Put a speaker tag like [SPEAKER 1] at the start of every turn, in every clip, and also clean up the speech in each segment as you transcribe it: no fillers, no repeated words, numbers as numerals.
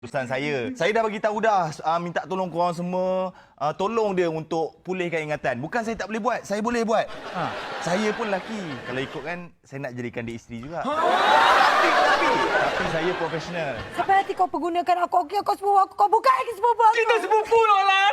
[SPEAKER 1] Urusan saya dah bagi tahu dah, minta tolong korang semua, tolong dia untuk pulihkan ingatan. Bukan saya tak boleh buat, saya boleh buat. Saya pun lelaki. Kalau ikutkan, saya nak jadikan dia isteri juga. Tapi saya profesional.
[SPEAKER 2] Sampai nanti kau pergunakan aku, okey, kau sepupu aku, kau buka lagi sepupu aku.
[SPEAKER 3] Kita sepupu, Lola.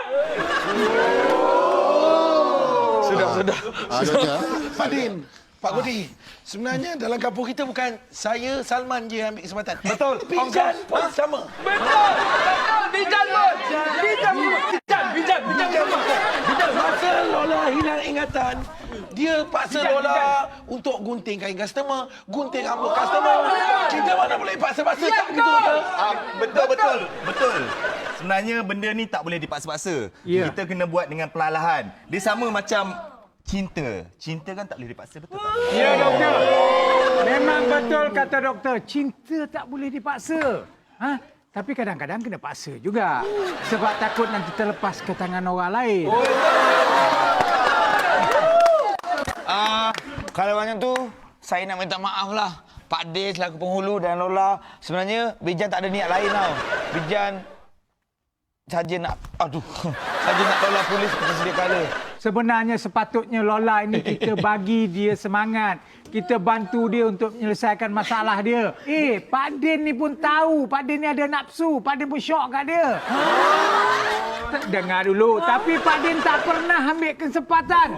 [SPEAKER 3] Sudah.
[SPEAKER 4] Doktor.
[SPEAKER 5] Pak Din, Pak Godi, sebenarnya dalam kampung kita bukan saya, Salman je yang ambil kesempatan.
[SPEAKER 3] Betul.
[SPEAKER 5] Bijan pun sama.
[SPEAKER 3] Betul. Bijan pun. Bijan.
[SPEAKER 5] Masa Lola hilang ingatan, dia paksa Lola untuk gunting kain customer, gunting rambut customer. Kita mana boleh paksa-paksa tak begitu, Doktor?
[SPEAKER 1] Betul. Sebenarnya benda ni tak boleh dipaksa-paksa.
[SPEAKER 3] Ya.
[SPEAKER 1] Kita kena buat dengan perlahan. Dia sama macam cinta. Cinta kan tak boleh dipaksa, betul tak?
[SPEAKER 6] Ya, doktor. Memang betul kata doktor. Cinta tak boleh dipaksa. Tapi kadang-kadang kena paksa juga. Sebab takut nanti terlepas ke tangan orang lain.
[SPEAKER 3] Kalau macam tu, saya nak minta maaf lah. Pak D selaku penghulu dan Lola. Sebenarnya, Bijan tak ada niat lain tau. Bijan saja nak Lola pulih seperti sedia kala.
[SPEAKER 6] Sebenarnya sepatutnya Lola ini kita bagi dia semangat. Kita bantu dia untuk menyelesaikan masalah dia. Pak Din ni pun tahu. Pak Din ni ada nafsu. Pak Din pun syok kat dia. Dengar dulu. Tapi Pak Din tak pernah ambil kesempatan.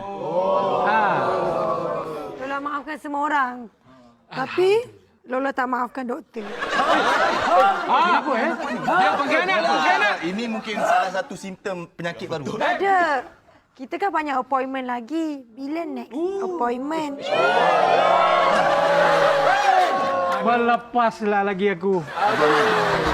[SPEAKER 2] Lola maafkan semua orang. Tapi Lola tak maafkan doktor.
[SPEAKER 6] Apa
[SPEAKER 3] Dia pengkhianat.
[SPEAKER 1] Ini mungkin salah satu simptom penyakit baru.
[SPEAKER 2] Ada. Kita kan banyak appointment lagi. Bila next appointment?
[SPEAKER 6] Melepaslah lagi aku.